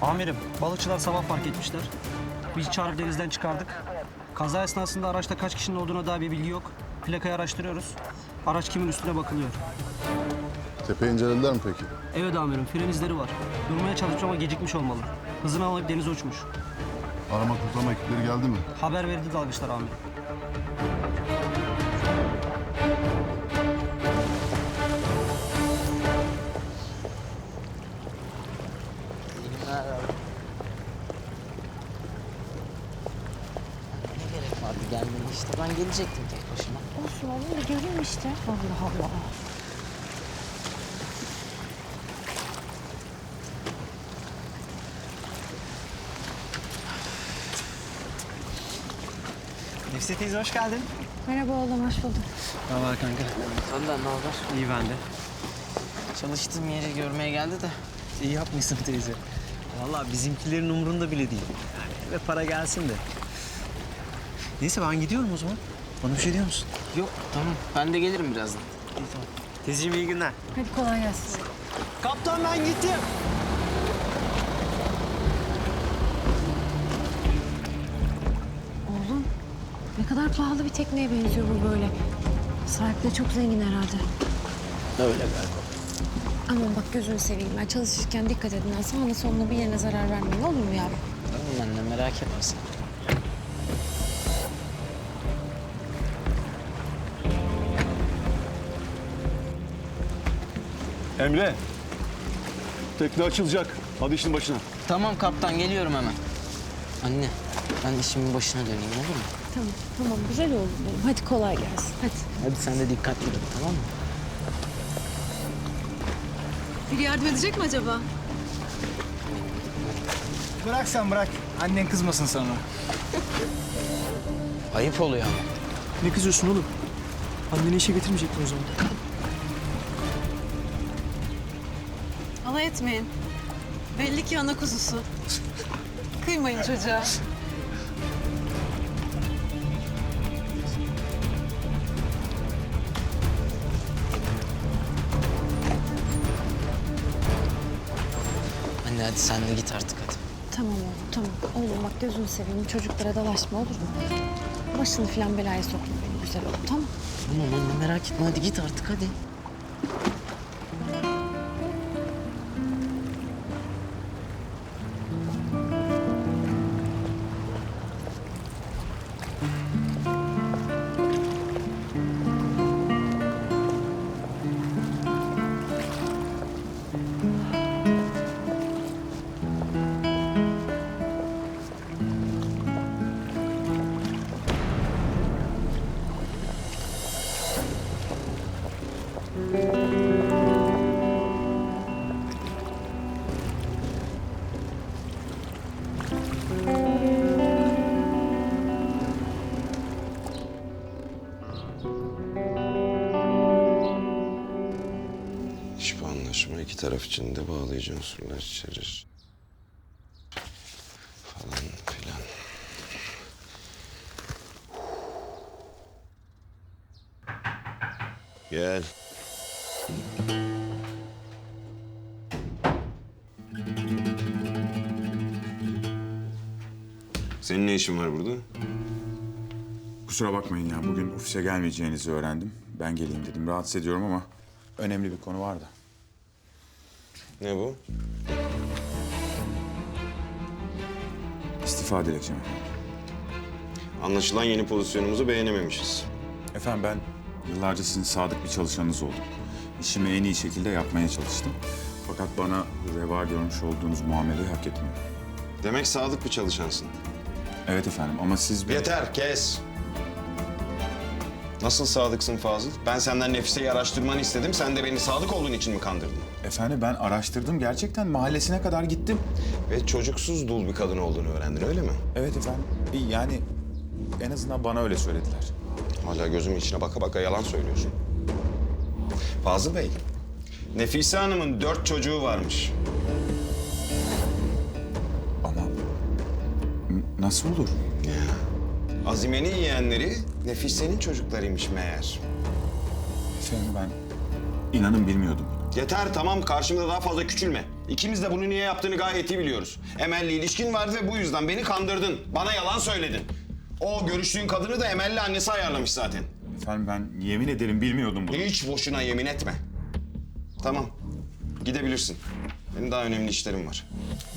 Amirim, balıkçılar sabah fark etmişler. Biz çağırıp denizden çıkardık. Kaza esnasında araçta kaç kişinin olduğuna dair bir bilgi yok. Plakayı araştırıyoruz. Araç kimin üstüne bakılıyor. Tepe incelediler mi peki? Evet amirim, fren izleri var. Durmaya çalışmış ama gecikmiş olmalı. Hızını almayıp denize uçmuş. Arama kurtarma ekipleri geldi mi? Haber verildi dalgıçlar amirim. Ne gerek vardı gelmeye işte. Ben gelecektim tek başıma. Olsun oğlum bir göreyim işte. Allah Allah. Nefise teyze hoş geldin. Merhaba oğlum, hoş bulduk. Ne haber kanka? Senden ne haber? İyi ben de. Çalıştığım yeri görmeye geldi de. İyi yapmışsın teyze. Vallahi bizimkilerin umurunda bile değil. Yani ve para gelsin de. Neyse ben gidiyorum o zaman. Bana bir şey diyor musun? Yok tamam. Ben de gelirim birazdan. İyi tamam. Teyzeciğim iyi günler. Hadi kolay gelsin. Kaptan ben gittim. Oğlum, ne kadar pahalı bir tekneye benziyor bu böyle. Sahibi de çok zengin herhalde. Öyle galiba. Aman bak gözünü seveyim ben çalışırken dikkat edin. Ha. Sağına soluna bir yerine zarar vermeyin olur mu yavrum? Tamam anne merak etme sen. Emre, tekne açılacak. Hadi işin başına. Tamam kaptan geliyorum hemen. Anne ben işimin başına döneyim olur mu? Tamam, tamam güzel oldu benim. Hadi kolay gelsin. Hadi. Hadi sen de dikkatli git tamam mı? Biri yardım edecek mi acaba? Bırak sen bırak. Annen kızmasın sana. Ayıp oluyor ama. Ne kızıyorsun oğlum? Anneni işe getirmeyecektin o zaman. Alay etmeyin. Belli ki ana kuzusu. Kıymayın çocuğa. Anne hadi sen de git artık hadi. Tamam oğlum, tamam. Oğlum bak gözünü seveyim. Çocuklara dalaşma olur mu? Başını falan belaya sokma benim güzel oğlum, tamam. Tamam anne merak etme hadi git artık hadi. Hiçbir anlaşma iki taraf için de bağlayıcı unsurlar içerir. Falan filan. Gel. Senin ne işin var burada? Kusura bakmayın ya. Bugün ofise gelmeyeceğinizi öğrendim. Ben geleyim dedim. Rahatsız ediyorum ama önemli bir konu var da. Ne bu? İstifa dilekçem efendim. Anlaşılan yeni pozisyonumuzu beğenememişiz. Efendim ben yıllarca sizin sadık bir çalışanınız oldum. İşimi en iyi şekilde yapmaya çalıştım. Fakat bana reva görmüş olduğunuz muameleyi hak etmiyorum. Demek sadık bir çalışansın. Evet efendim ama siz... Yeter, kes. Nasıl sadıksın Fazıl? Ben senden Nefise'yi araştırmanı istedim. Sen de beni sadık olduğun için mi kandırdın? Efendim ben araştırdım. Gerçekten mahallesine kadar gittim. Ve çocuksuz dul bir kadın olduğunu öğrendin, öyle mi? Evet efendim. Yani en azından bana öyle söylediler. Hala gözümün içine baka baka yalan söylüyorsun. Fazıl Bey, Nefise Hanım'ın 4 çocuğu varmış. Ama nasıl olur? Azime'nin yeğenleri Nefise'nin çocuklarıymış meğer. Efendim ben inanın bilmiyordum. Yeter, tamam, karşımda daha fazla küçülme. İkimiz de bunu niye yaptığını gayet iyi biliyoruz. Emel'le ilişkin var ve bu yüzden beni kandırdın. Bana yalan söyledin. O görüştüğün kadını da Emel'le annesi ayarlamış zaten. Efendim ben yemin ederim bilmiyordum bunu. Hiç boşuna yemin etme. Tamam. Gidebilirsin. Benim daha önemli işlerim var.